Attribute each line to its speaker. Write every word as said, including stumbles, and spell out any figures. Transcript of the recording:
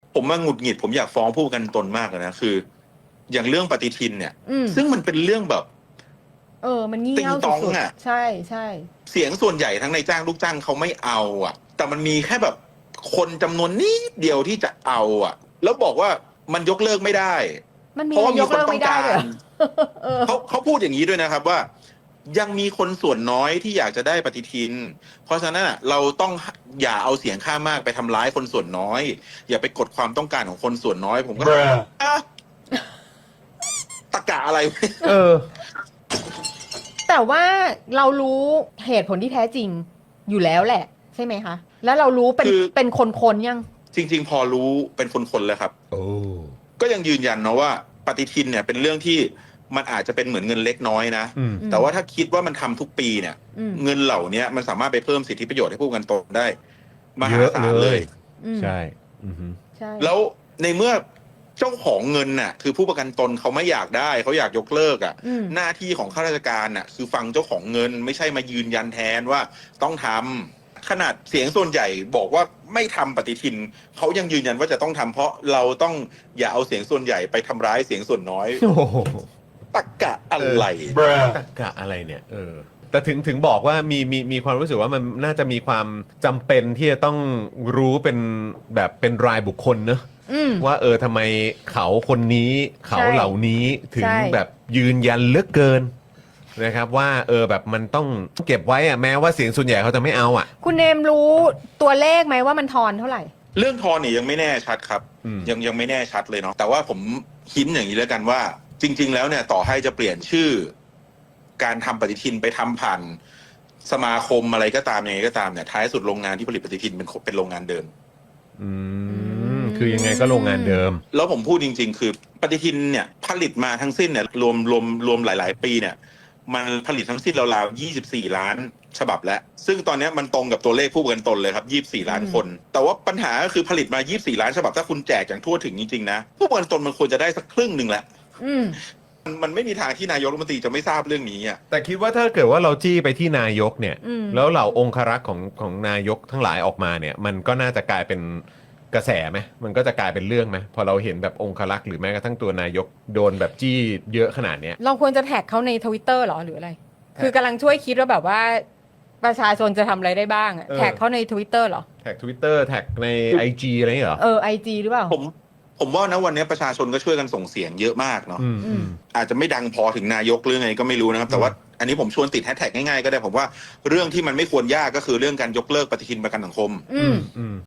Speaker 1: ผมมาหงุดหงิดผมอยากฟ้องผู้ประกันตนมากเลยนะคือ อย่างเรื่องปฏิทินเนี่ย
Speaker 2: อืม
Speaker 1: ซึ่งมันเป็นเรื่องแบบ
Speaker 2: เออ มันงี่
Speaker 1: ติง
Speaker 2: เง่า
Speaker 1: ตอง
Speaker 2: สุด
Speaker 1: อะ
Speaker 2: ๆใช่ใช่
Speaker 1: เสียงส่วนใหญ่ทั้งในจ้างลูกจ้างเขาไม่เอาอ่ะ แต่มันมีแค่แบบคนจำนวนนิดเดียวที่จะเอาอ่ะ แล้วบอกว่ามันยกเลิกไม่ได้
Speaker 2: มันมี
Speaker 1: เพราะว่ามี
Speaker 2: ยก
Speaker 1: คน
Speaker 2: เลิก
Speaker 1: ต้อ
Speaker 2: ไม่
Speaker 1: ง
Speaker 2: ได้
Speaker 1: กา
Speaker 2: เลย
Speaker 1: ร
Speaker 2: เหรอ เออ
Speaker 1: เขาเขาพูดอย่างนี้ด้วยนะครับว่า ยังมีคนส่วนน้อยที่อยากจะได้ปฏิทิน เพราะฉะนั้นอะเราต้องอย่าเอาเสียงข้างมากไปทำร้ายคนส่วนน้อย อย่าไปกดความต้องการของคนส่วนน้อย ผมก็อ่ะตะกะอะไร
Speaker 3: เออ
Speaker 2: แต่ว่าเรารู้เหตุผลที่แท้จริงอยู่แล้วแหละ ใช่ไหมคะ แล้วเรารู้เป็น
Speaker 1: คือ
Speaker 2: เป็นคนๆยัง
Speaker 1: จริง ๆ พอรู้เป็นคนๆแล้วครับ
Speaker 3: โอ้
Speaker 1: ก็ยังยืนยันนะว่าปฏิทินเนี่ยเป็นเรื่องที่มันอาจจะเป็นเหมือนเงินเล็กน้อยนะ
Speaker 3: อืม
Speaker 1: แต่ว่าถ้าคิดว่ามันทำทุกปีเนี่ย
Speaker 2: อืม
Speaker 1: เงินเหล่านี้มันสามารถไปเพิ่มสิทธิประโยชน์ให้ผู้ประกันตนได้มหาศาล
Speaker 3: เยอะ
Speaker 1: เล
Speaker 3: เลย
Speaker 1: ย
Speaker 2: อืม
Speaker 3: ใช่อือฮึ
Speaker 2: ใช่
Speaker 1: แล้วในเมื่อเจ้าของเงินน่ะคือผู้ประกันตนเขาไม่อยากได้เขาอยากยกเลิกอ่ะ
Speaker 2: อืม
Speaker 1: หน้าที่ของข้าราชการน่ะคือฟังเจ้าของเงินไม่ใช่มายืนยันแทนว่าต้องทำขนาดเสียงส่วนใหญ่บอกว่าไม่ทำปฏิทินเขายังยืนยันว่าจะต้องทำเพราะเราต้องอย่าเอาเสียงส่วนใหญ่ไปทำร้ายเสียงส่วนน้อย
Speaker 3: โอ้โห
Speaker 1: ตะกะอะไร
Speaker 3: ตะกะอะไรเนี่ย เออ แต่ถึงถึงบอกว่ามีมีมีความรู้สึกว่ามันน่าจะมีความจำเป็นที่จะต้องรู้เป็นแบบเป็นรายบุคคลเนอะ
Speaker 2: อืม
Speaker 3: ว่าเออทำไมเขาคนนี้เขา
Speaker 2: ใช่
Speaker 3: เหล่านี้ถึง
Speaker 2: ใช่
Speaker 3: แบบยืนยันเหลือกเกินนะครับ ว่าเออแบบมันต้องเก็บไว้อะแม้ว่าเสียงส่วนใหญ่เขาจะไม่เอาอ่ะ
Speaker 2: คุณเนมรู้ตัวเลขไหมว่ามันทอนเท่าไหร่
Speaker 1: เรื่องทอนเนี่ยยังไม่แน่ชัดครับ
Speaker 3: อืม
Speaker 1: ยังยังไม่แน่ชัดเลยเนาะแต่ว่าผมหินอย่างนี้แล้วกันว่า จริง ๆ แล้วเนี่ยต่อให้จะเปลี่ยนชื่อ การทำปฏิทินไปทำผ่านสมาคมอะไรก็ตามยังไงก็ตามเนี่ยท้ายสุดโรงงานที่ผลิตปฏิทินเป็นเป็นโรงงานเดิม
Speaker 3: อืมคือยังไงก็โรงงานเดิม
Speaker 1: แล้วผมพูดจริง ๆ คือปฏิทินเนี่ยผลิตมาทั้งสิ้นเนี่ยรวมรวมรวมหลาย ๆ ปีเนี่ย มันผลิตทั้งสิ้นราวๆยี่สิบสี่ล้านฉบับแล้ว ซึ่งตอนนี้มันตรงกับตัวเลขผู้ประกันตนเลยครับยี่สิบสี่ล้านคน แต่ว่าปัญหาก็คือผลิตมายี่สิบสี่ล้านฉบับถ้าคุณแจกอย่างทั่วถึงจริงๆนะผู้ประกันตนมันควรจะได้สักครึ่งหนึ่งแหละ
Speaker 2: อืม
Speaker 1: มันมันไม่มีทางที่นายกรัฐมนตรีจะไม่ทราบเรื่องนี้อ่ะ
Speaker 3: แต่คิดว่าถ้าเกิดว่าเราจี้ไปที่นายกเนี่ย
Speaker 2: อืม
Speaker 3: แล้วเหล่าองครักษ์ของของนายกทั้งหลายออกมาเนี่ย มันก็น่าจะกลายเป็นกระแสไหมมันก็จะกลายเป็นเรื่องไหมพอเราเห็นแบบองครักษ์หรือแม้กระทั่งตัวนายกโดนแบบจี้เยอะขนาดเนี้ย
Speaker 2: เราควรจะแท็กเขาในทวิตเตอร์หรอหรืออะไร คือกำลังช่วยคิดว่าแบบว่า ประชาชนจะทำอะไรได้บ้างอะ
Speaker 3: เออ
Speaker 2: แท็กเขาในทวิตเตอร์หรอ
Speaker 3: แท็ก Twitter แท็กใน ไอ จี อะไรอย่างเงี้ยเหรอ
Speaker 2: เออไอจีหรือเปล่า
Speaker 1: ผมผมว่านะวันนี้ประชาชนก็ช่วยกันส่งเสียงเยอะมากเนาะ
Speaker 3: อืมอืม
Speaker 1: อาจจะไม่ดังพอถึงนายกหรือไงก็ไม่รู้นะครับ แต่ว่าอันนี้ผมชวนติดแฮชแท็กง่ายๆก็ได้ผมว่าเรื่องที่มันไม่ควรยากก็คือเรื่องการยกเลิกปฏิทินประกันสังคม
Speaker 2: อืม
Speaker 3: อืม